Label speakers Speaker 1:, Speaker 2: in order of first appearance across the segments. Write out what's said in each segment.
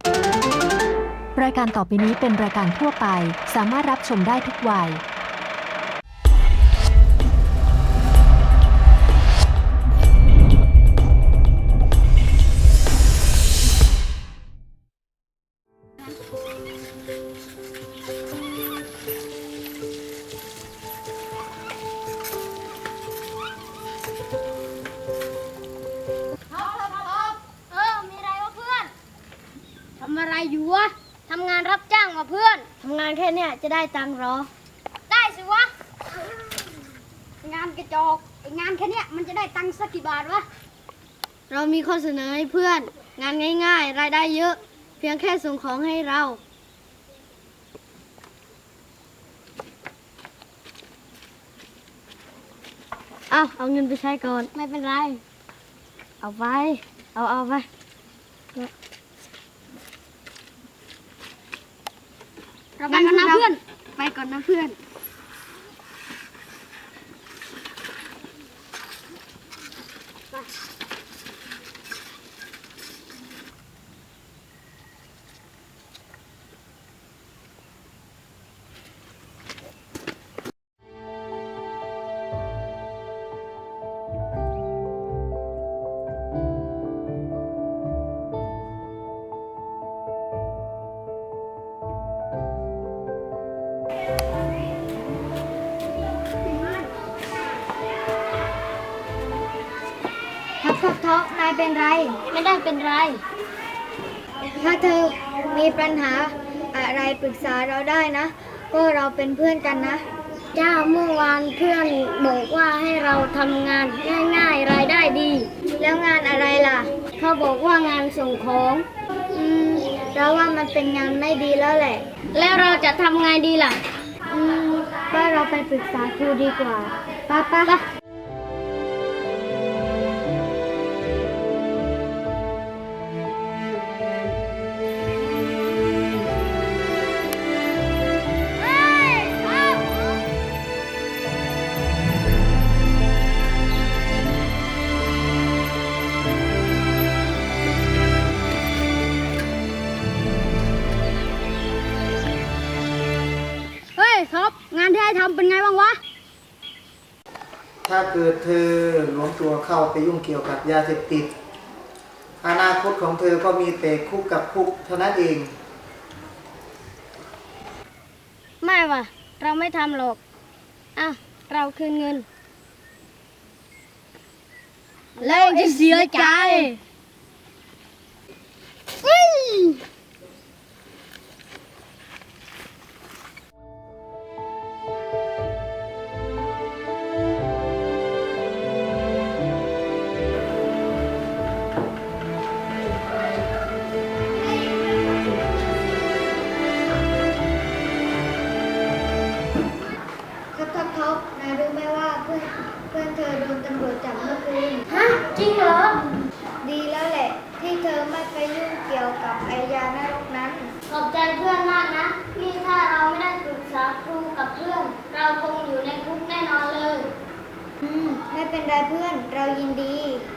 Speaker 1: รายการต่อไปนี้เป็นรายการทั่วไปสามารถรับชมได้ทุกวัย
Speaker 2: มีอะไรวะเพื่อนทำอะไรอยู่วะทำงานรับจ้างมาเพื่อนทำงานแค่เนี้ยจะได้ตังค์หรอได้สิวะงานกระจอกงานแค่เนี้ยมันจะได้ตังค์สักกี่บาทวะเรามีข้อเสนอให้เพื่อนงานง่ายๆรายได้เยอะเพียงแค่ส่งของให้เราเอาเงินไปใช้ก่อนไม่เป็นไรเอาไปเอาไปเราไปกันนะเพื่อนไปก่อนนะเพื่อนท็อปนายเป็นไรไม่ได้เป็นไรถ้าเธอมีปัญหาอะไรปรึกษาเราได้นะก็เราเป็นเพื่อนกันนะจ้าเมื่อวานเพื่อนบอกว่าให้เราทำงานง่ายๆรายได้ดีแล้วงานอะไรล่ะเขาบอกว่างานส่งของเราว่ามันเป็นงานไม่ดีแล้วแหละแล้วเราจะทำไงดีล่ะก็เราไปปรึกษาครูดีกว่าป้าท็อปงานที่ให้ทำเป็นไงบ้างวะ
Speaker 3: ถ้าเกิดเธอหลวมตัวเข้าไปยุ่งเกี่ยวกับยาเสพติดอนาคตของเธอก็มีแต่คุกกับคุกเท่านั้นเอง
Speaker 2: ไม่ว่ะเราไม่ทำหรอกเราคืนเงินแล้วจะเสียใจท็อปนายรู้ไหมว่าเพื่อนเธอโดนตำรวจจับเมื่อคืนฮะจริงเหรอดีแล้วแหละที่เธอไม่ไปยุ่งเกี่ยวกับไอยานรกนั้นขอบใจเพื่อนมากนะที่ถ้าเราไม่ได้ปรึกษาครูกับเพื่อนเราคงอยู่ในคุกแน่นอนเลยไม่เป็นไรเพื่อนเรายินดี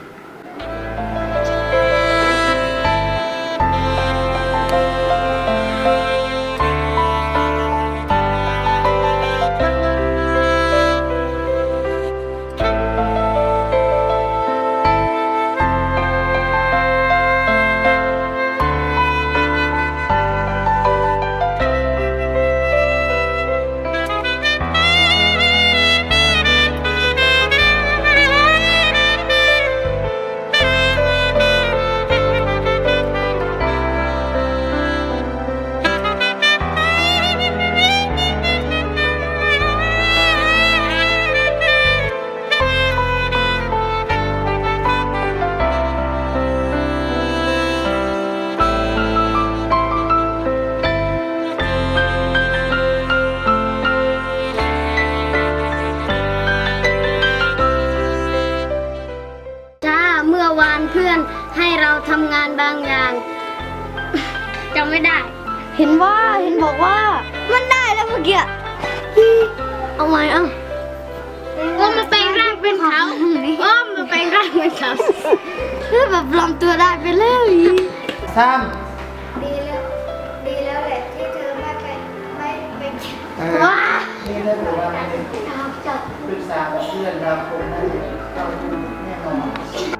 Speaker 2: เพื่อนให้เราทำงานบางอย่างจำไม่ได้เห็นบอกว่ามันได้แล้วเมื่อกี้เอาใหม่ว่ามันแปลงร่างเป็นเขาว่ามันแปลงร่างเป็นเขาแบบปลอมตัวได้ไปเลย
Speaker 3: ซ้
Speaker 2: ดี
Speaker 3: ถ้าเกิดว่าไม่ได้ปรึกษากับเพื่อนเราคงไม่เราดูแน่นอน